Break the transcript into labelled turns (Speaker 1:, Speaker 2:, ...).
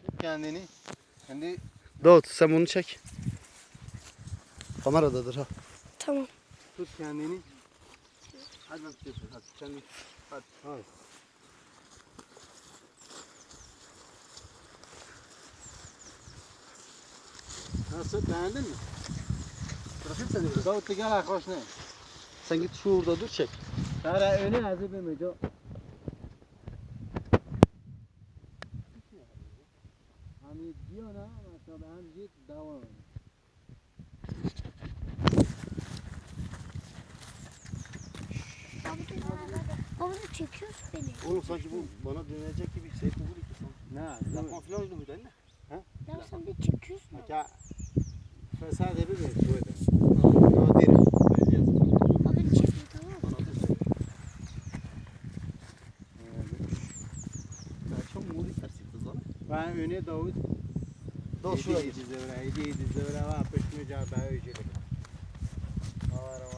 Speaker 1: Kendini. Kendi
Speaker 2: Davut sen bunu çek. Kameradadır ha.
Speaker 3: Tamam.
Speaker 1: tut kendini. Hadi bak tutuyorsun. Hadi kendi. Hadi. Nasıl, beğendin mi?
Speaker 2: Bırakayım seni biraz.
Speaker 1: Davut gel hoş ne?
Speaker 2: Sen git şurada dur çek.
Speaker 1: Tara öyle hazır bir meco. Hani diyor na mesela ben git devam.
Speaker 3: Baba da çekiyorsun beni.
Speaker 2: Oğlum sanki bu bana dönecek gibi şey bu gibi.
Speaker 1: Ne?
Speaker 2: La konfilaj mıydı anne?
Speaker 3: Ya sen de çekiyorsun.
Speaker 1: Maka fesat bir meco öyle. Nadir.
Speaker 3: Baba da çekiyor tamam mı?
Speaker 2: Çok muri tersi kızlar.
Speaker 1: Ben öne Davut.
Speaker 2: Davut şuraya git.
Speaker 1: Yedi zevre var. Peşme cevap öyle.